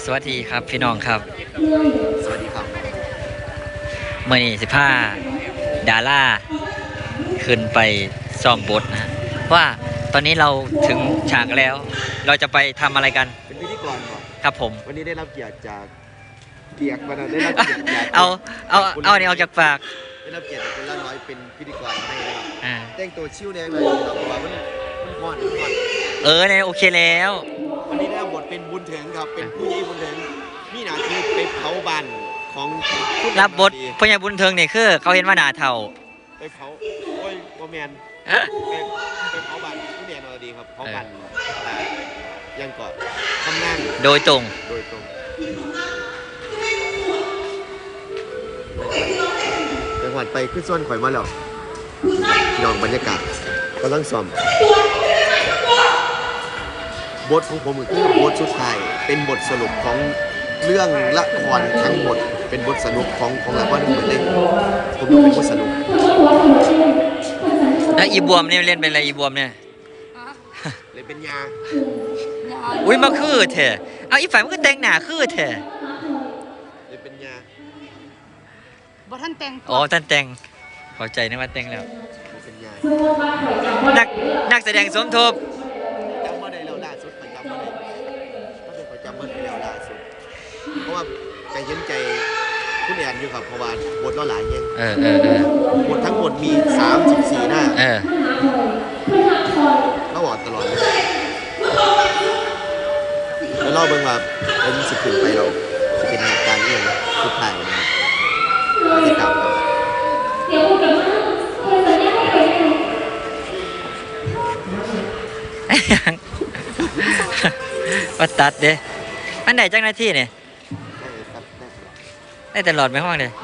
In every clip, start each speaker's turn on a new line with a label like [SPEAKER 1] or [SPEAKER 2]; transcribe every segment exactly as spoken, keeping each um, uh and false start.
[SPEAKER 1] สวัสดีครับพี่น้องครับ
[SPEAKER 2] สวัสดีครับ
[SPEAKER 1] เมื่อนี้สิบห้าดาราขึ้นไปซ้อมบทนะว่าตอนนี้เราถึงฉากแล้วเราจะไปทำอะไรกัน
[SPEAKER 2] เป็นพิธีกรก่อน
[SPEAKER 1] ครับผม
[SPEAKER 2] วันนี้ได้รับเกียรติจากเกียรติมาได้รับเกียรติจาก
[SPEAKER 1] เอาเอาเอาเนี่ยเอาจากปาก
[SPEAKER 2] ได้รับเกียรติจากคนละน้อยเป็นพิธีกรให้นะครับแต่งตัวชิวแดงเลยครับเพราะว่ามันมันฮอนฮอน
[SPEAKER 1] เออเนี่ยโอเคแล้ว
[SPEAKER 2] วันนี้ได้รับบทเป็นบุญถึงครับเป็นผู้ใหญ่บุญถึงมีหน้าที่ไปเผาบ้านของ
[SPEAKER 1] รับบทผู้ใหญ่บุญถึงเนี่ยคือเขาเห็นว่าหน้าเท่า
[SPEAKER 2] ไปเผาโอ้ยโมแมนไปไปเผาบ้านผู้ใหญ่นอดีครับเผาบ้านยังก่อนทำงาน
[SPEAKER 1] โดยตรง
[SPEAKER 2] โดยตรงจังหวัดไปขึ้นส่วนข่อยมาแล้วยองบรรยากาศกำลังซ้อมบทของผมคือบทสุดท้ายเป็นบทสรุปของเรื่องละครทั้งหมดเป็นบทสรุปของของละครทั้งหมดเลยผมต้องเป็นบทสรุป
[SPEAKER 1] แล้วอีบวมเนี่ยเล่นเป็นอะไรอีบวมเนี่ย
[SPEAKER 2] เลยเป็นยา
[SPEAKER 1] อุ้ยมาคือเถอะเอาอีฝ่ายมันก็แต่งหนาคือเถอะ
[SPEAKER 2] เลยเป็นยา
[SPEAKER 3] บ่ท่านแต่ง
[SPEAKER 1] อ๋อท่านแต่งเข้าใจนะว่าแต่งแล้ว
[SPEAKER 2] เป็นยา
[SPEAKER 1] นักนักแสดงสมทบ
[SPEAKER 2] จำว่าได้แล้วล่าสุดไปจำว่าได้ก็เป็นประจำวันไปแล้วล่าสุดเพราะว่าใจเย็นใจคุณแอนอยู่ครับเพราะว่าบทเราหลายยัง
[SPEAKER 1] เออเออเอ
[SPEAKER 2] อบททั้งหมดมีสามสิบสี่หน้า
[SPEAKER 1] เออ
[SPEAKER 2] เขาบอกตลอดเลยแล้วเล่าเบิ่งว่าเป็นสิบขึ้นไปเราจะเป็นเหตุการณ์นี้นะสุดท้ายนะเราจะตามกัน
[SPEAKER 1] ว่าตัดเด้อันไหนจังหน้าที่เนี่ยได้ตลอดไหมห้องเลย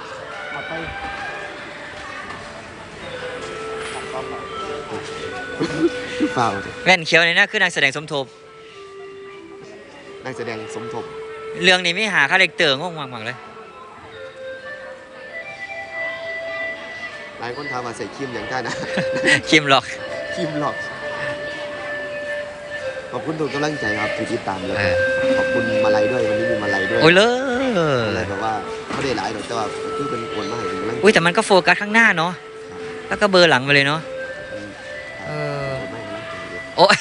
[SPEAKER 2] ฝ่า
[SPEAKER 1] แว่นเขียวนี่นะคือนักแสดงสมทบ
[SPEAKER 2] นักแสดงสมทบ
[SPEAKER 1] เรื่องนี้ไม่หาคาแรคเตอร์งงมากๆเลย
[SPEAKER 2] หลายคนถามว่าใส่ครีมอย่างได้นะ
[SPEAKER 1] ครีมหลอก
[SPEAKER 2] ครีมหลอกขอบคุณทุกกำลังใจครับที่ติดตามเลยขอบคุณมาลัยด้วยวันนี้มีมาลัยด้วย
[SPEAKER 1] โอ้ยเลย
[SPEAKER 2] อะไรแบบว่าเขาได้หลายแต่ว่าคือเป็นคนมาให้กำลังใจ
[SPEAKER 1] อุ้ยแต่มันก็โฟกัสข้างหน้าเนาะแล้วก็เบอร์หลังไปเลยเนาะเออโอ้ย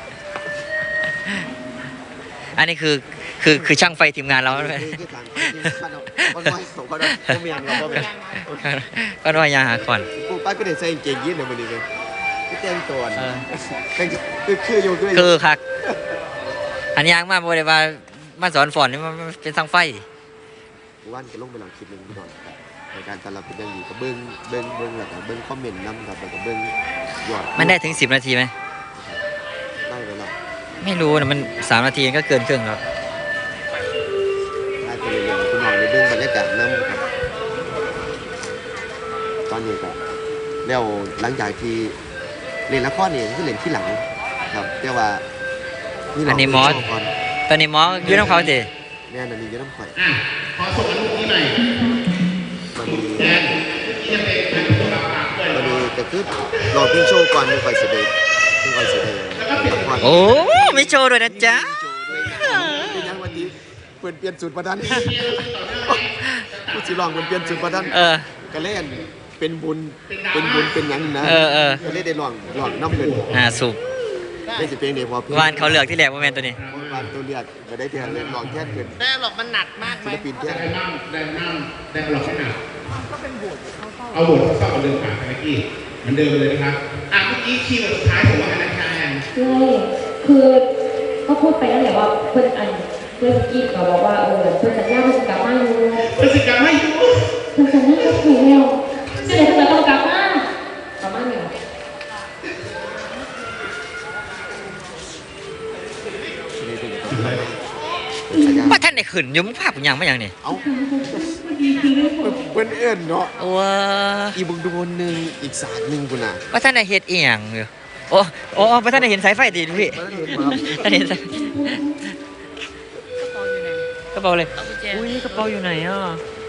[SPEAKER 1] อันนี้คือคือคือช่างไฟทีมงานเรา
[SPEAKER 2] ใช่ไหมก็น้อยสองคนเราเมียนเราก็เป็น
[SPEAKER 1] ก็น้อยยาหาก่อน
[SPEAKER 2] กูป้าก็เด็ดใส่เกงยีนเลยวันนี้เลยพี่เต้นตัวคือคืออยู่คือ
[SPEAKER 1] คือคักอันยางมาบอกเลยว่ามาสอนฝอนนี่มันเป็นช่างไฟ
[SPEAKER 2] ว่านจะลงไปหลังคลิปหนึ่งก่อนในการตลาดเป็นยังดีกับเบิ้งเบิ้งเบิ้งหลักเบิ้งคอมเมนต์นำกับกับเบิ้งยอด
[SPEAKER 1] มันได้ถึงสิบนาทีไหม
[SPEAKER 2] ได้เวลา
[SPEAKER 1] ไม่รู้นะมันสามนาทีก็เกินครึ่งแล้ว
[SPEAKER 2] ได้ไปเรื่อยๆคุณหน่อยในเบื้องบรรยากาศน้ำครับตอนนี้ก็แล้วหลังจากที่เล่นละครเนี่ยคือเล่นที่หลังครับแต่ว่า
[SPEAKER 1] อันนี้มอสตอนนี้มอสยืดน้ำเขาสิ
[SPEAKER 2] เนี่ยนันนี้ยืดน้ำข่อย
[SPEAKER 4] ขอส่งอันนี้หน่อย
[SPEAKER 2] มันมีมันมีแต่คือรอพิ้งโชว์ก่อนมีไฟเสด็จมีไฟเสด็จ
[SPEAKER 1] โอ้ไม่โชว์ด้วยนะจ๊ะ
[SPEAKER 2] เป็นยังวันนี้เปลี่ยนเปลี่ยนสูตรประดันผู้สิลองเปลี่ยนเปลี่ยนสูตรประดันก็เล่นเป็นบุญเป็นบุญเป็นยังนะก็เล่นได้ลองลองน้ำเงิน
[SPEAKER 1] อ่าสุก
[SPEAKER 2] ได้สิเพลงเดียวพอ
[SPEAKER 1] วานเขาเลือกที่แหลกว่าแมนตัวนี้
[SPEAKER 2] วานตัวเลือกก็ได้เทียนเลยลองแค่เกิน
[SPEAKER 3] แต่หลอกมันหนักมากไหม
[SPEAKER 2] ศิลปินแค่
[SPEAKER 4] ได้นั่งได้นั่งได้หลอกให้หนักก็เป็นบทเอาบทเข้ากับเดิมผ่านไปกี้เหมือนเดิมเลยนะครับอ่ะเมื่อกี้คีย์เวิร์ดสุดท้ายผมว่าอะไรคะแอน
[SPEAKER 5] ใช่คือก็พูดไปแล้วแหละว่าเพื่อนอันเพื่อนกี้ก็บอกว่าเออเพื่อนสัญญาเพื่อนกลับมาอยู่
[SPEAKER 4] เพื่อนสัญญาไม่อยู่
[SPEAKER 5] เพื่อนสัญญาก็ถูกแล้วเดี๋ยวเพื่อนต้องกลับมากลับมาเนี่ย
[SPEAKER 1] ว่าท่านได้ขึ้นยุ่งภาพอย่างไม่อย่างนี่
[SPEAKER 2] เอ้าเพื่อนเอ็นเนาะ
[SPEAKER 1] ว้า
[SPEAKER 2] อีบุกดูนหนึ่งอีกศาสตร์หนึ่งคุณน่ะ
[SPEAKER 1] ว่าท่านได้เฮ็ดเอียงอยู่โอ้โอ้ว่าท่านได้เห็นสายไฟดีพี่ท่านเห็นสายกระเป๋าเลยอุ้ยกระเป๋าอยู่ไหนอ่ะ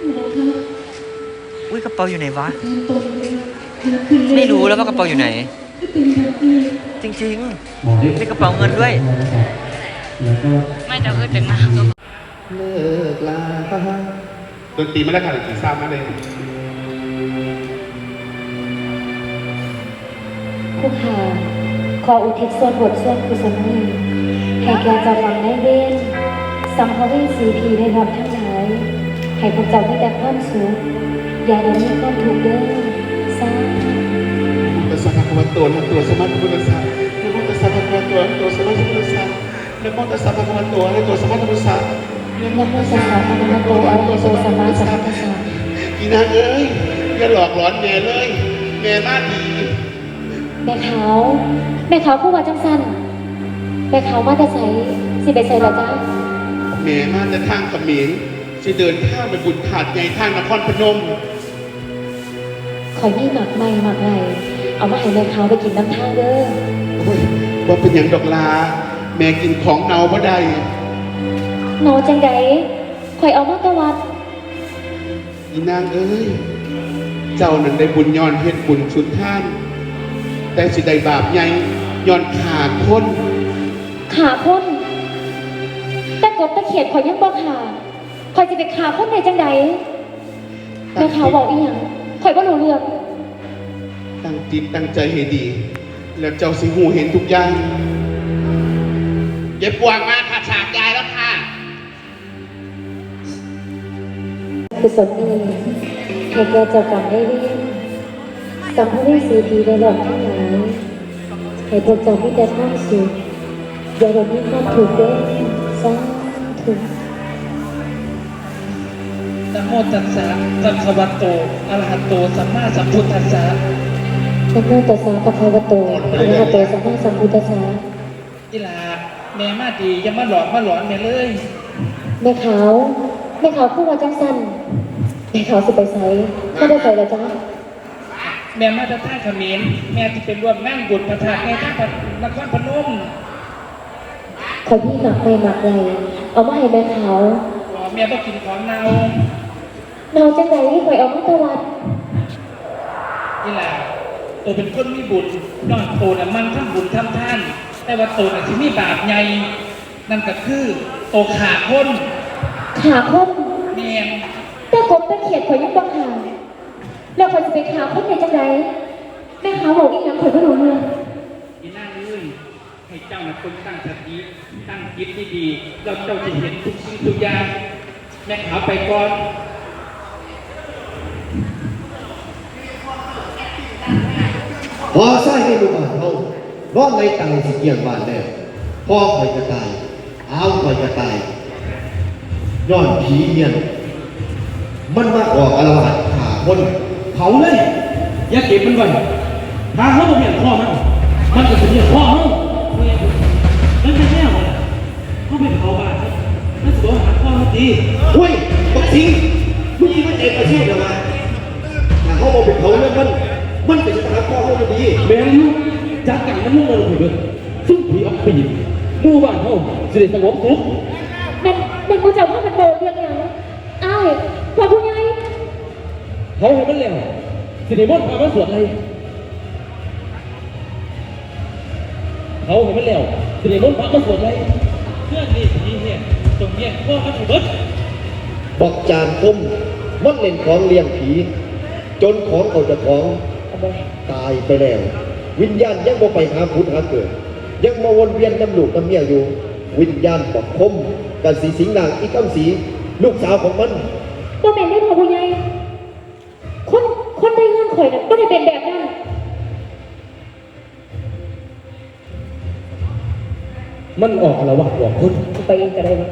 [SPEAKER 1] อุ้ยกระเป๋าอยู่ไหนวะไม่รู้แล้วว่ากระเป๋าอยู่ไหนจริงๆมีกระเป๋าเงินด้วย
[SPEAKER 3] ไม่จะเกิดเป็นมา
[SPEAKER 4] เลิกลาดนตรีไม่ได้ค่ะดนตรีทราบมาเลย
[SPEAKER 5] ผู้ขาขออุทิศส่วนบทส่วนกุศลนี้ให้แก่เจ้ากรรมนายเวรสัมภเวสีผีได้รับทั้งหลายให้พวกเจ้ามีแต่ความสุขอย่าได้มีความทุกข์เด้อสาธุ
[SPEAKER 4] ตัสสะภะคะวะโตอะระหะโตสัมมาสัมพุทธัสสะนะโมตัสสะภะคะวะโตอะระหะโตสัมมาสัมพุทธัสสะนะโมตัสสะภะคะวะโตอะระหะโตสัมมาสัมพุทธัสสะ
[SPEAKER 5] นะโมตัสสะภะคะวะโตอะระหะโตสัมมาสัมพุทธัสสะ
[SPEAKER 4] อีนางเอ้ยอย่าหลอกหลอนแม่เลยแม่บ้านดี
[SPEAKER 5] แม่ขาวแม่ขาวผู้ว่าจังสันแม่ขาวมาแต่ใสสิไปใส่ละจ้า
[SPEAKER 4] แม่มาจะทางเขมรจะเดินข้ามไปบุญขาดใหญ่ทางนครพนม
[SPEAKER 5] ขอยนี่หมักไม่หมักไรเอามาให้แม่ขาวไปกินน้ำทางเด้อ
[SPEAKER 4] โอ้ยว่าเป็นอย่างดอกลา แม่กินของเนาบ่ได้
[SPEAKER 5] หนอจังใดข่อยเอามาตะวัด
[SPEAKER 4] อีนางเอ้ย เจ้านั้นได้บุญย้อนเฮ็ดบุญสุดท่าน แต่สิได้บาปใหญ่ย้อนขาดคน
[SPEAKER 5] ขาพ้นแต่กบตะเขียดข่อยยังบ่ขาข่อยจะไปขาพ้นได้จังใดแม่ขาวบอกอีหยังข่อยบ่รู้เรื่อง
[SPEAKER 4] ตั้งจิตตั้งใจให้ดี แล้วเจ้าสิหูเห็นทุกอย่างเย็บปวงมาค่ะฉากยายแล้วค่ะ
[SPEAKER 5] กุศลนี้ให้แก่เจ้ากรรมได้เรียนสัมภเวสีผีได้หลอกทั้งหลายให้พวกเจ้ามีแต่ความสุขอย่าได้มีความทุกข์เด้อสาธุ
[SPEAKER 6] นะโมตัสสะภะคะวะโตอะระหะโตสัมมาสัมพุทธัสสะ
[SPEAKER 5] นะโมตัสสะภะคะวะโตอะระหะโตสัมมาสัมพุทธัสสะ
[SPEAKER 6] อีหลาแม่มาดีอย่ามาหลอกมาหลอนแม่เลย
[SPEAKER 5] แม่ขาวแม่ขาวพูดว่าจังสันแม่ขาวสิไปไสไม่ได้ไปแล้วจ้า
[SPEAKER 6] แม่มาจะท่าเขมรแม่ที่เป็นร่วมงานบุญพระธาตุแม่ท่าพระนครพนม
[SPEAKER 5] ขอพี่หมักไปหมักไรเอามาให้แม่ขาว
[SPEAKER 6] แม่ต้องกินของเนา
[SPEAKER 5] เนาจังใดที่ข่อยเอามาตะวัด
[SPEAKER 6] อีหลาตัวเป็นคนมีบุญนอนโตน่ะมันทำบุญทำท่าน แต่ว่าโตน่ะที่มีบาปใหญ่นั่นก็คือโตขาคน
[SPEAKER 5] ขาคม
[SPEAKER 6] แม่น
[SPEAKER 5] แต่กบตะเขียดข่อยยังบ่ขาแล้วข่อยจะไปขาคมได้จังใดแม่ขาวบอกอีหยังข่อยบ่รู้เรื่อง
[SPEAKER 6] อีนั่งเลยให้เจ้าน่ะคนตั้งสติตั้งจิตดีๆแล้วเจ้าจะเห็นทุกสิ่งทุกอย่างแม่ขาวไปก่อน
[SPEAKER 7] พอใส่ให้ลูกบ้านเขาร้อนในตังสิเกียงบ้านแล้วพ่อคอยจะตายอ้าวคอยจะตายย้อนผีเงียนมันมาออกอารวาสขาคนเผาเลย
[SPEAKER 8] อย่าเก็บมันไว้ถ้าเขาบอกเห็นพ่อมัน มันก็จะเห็นพ่อเขานั่นเป็นแน่หมดเขาเป็นเขาบ้านนั่นสุดหาพ่อเขาดี
[SPEAKER 7] เฮ้ยบักสิงมึงยิงมันเองมาเที่ยวเดี๋ยวมาถ้าเขาบอกเป็นเขาเนี่ยมันมันเป็นสถานพ่อเขาพอดี
[SPEAKER 8] แม่ลูกจากกันมันมุ่งมาลงไปเลยซึ่งผีอับปีนหมู่บ้านเขาสิได้สงบสุข
[SPEAKER 5] แม่นแม่นกูจะว่ามันโบเรื่องหยังอ้ายพ่อผู้ใหญ่
[SPEAKER 8] เขาให้มันแล้วสิได้มดพามันสวดอะไรเขาให้มันแล้วสิได้มดพามันสวดอะไรเพื่อนนี่ผีเหี้ยตรงเนี้ยพ่อมันถูกเบิด
[SPEAKER 7] บอกจานคมมันเล่นของเลี้ยงผี จนของเขาจะของตายไปแล้ว วิญญาณยังบ่ไปหาพุทธหาเกิด ยังมาวนเวียนน้ำลูกน้ำเมียอยู่ วิญญาณบอกคมกันสีสิงนางอีกคำสีลูกสาวของมัน
[SPEAKER 5] บ่แม่นได้พ่อผู้ใหญ่คนคนได้เงินข่อยน่ะบ่ได้เป็นแบบนั้น
[SPEAKER 8] มันออกอาละวาดหลอกคน
[SPEAKER 5] ไปเองก็ได้วะ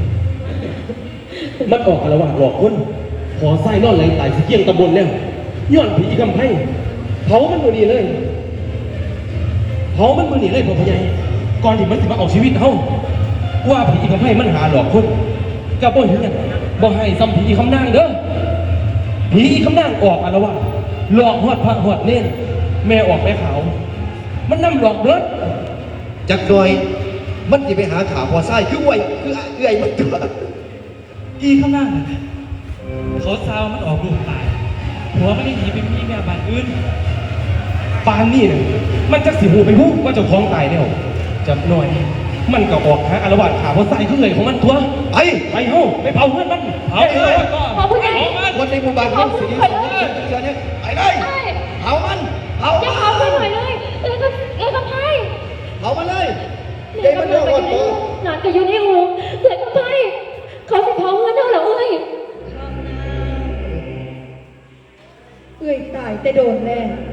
[SPEAKER 8] มันออกอาละวาดหลอกคน ขอไส้นอนไหลตายสิเกี่ยงตำบลแล้วย้อนผีกำไพ่เผามันมือนีเลยเผามันมือนีเลยพ่อพญายก่อนที่มันจะมาเอาชีวิตเฮาว่าผีกำไพ่มันหาหลอกคนกับบ่เห็นบ่ให้ซ้ำผีคำนางเด้อผีคำนางออกอาละวาดหลอกหอดพระหอดเน่นแม่ออกไปขาวมันนำหลอกเบิด
[SPEAKER 7] จักหน่อย มันจะไปหาขาพอไส้คือไว้คือเอื่อยมันตัว
[SPEAKER 8] อีข้างหน้าน่ะเขาซาวมันออกลูกตายหัวมันได้หนีไปมีแม่บ้านอื่นปานนี่น่ะมันจะสิหูไปหูว่าเจ้าของตายแล้วจับหน่อยมันก็ออกหาอารวาสขาเพราะใส่ขึ้นเลยของมันตัว
[SPEAKER 7] ไป
[SPEAKER 8] ไปเฮ้าไปเผาเพื่อนมันเผาเลย
[SPEAKER 5] พอผู้ใหญ่
[SPEAKER 7] คนในหมู่บ้านเขาสีสองเสือเนี่ยไปเลยเผามันเผา
[SPEAKER 5] อย่าเผาไปหน่อยเลยเลยก็เลยก็ไพ่
[SPEAKER 7] เผามันเลยเดี๋ยวมันโดนก่อนตัว
[SPEAKER 5] หลานก็อยู่ในอู่เลยก็ไพ่เขาสิเผาเงินเท่าเหรอเอ้ย
[SPEAKER 9] เอ้ยตายแต่โดนแน่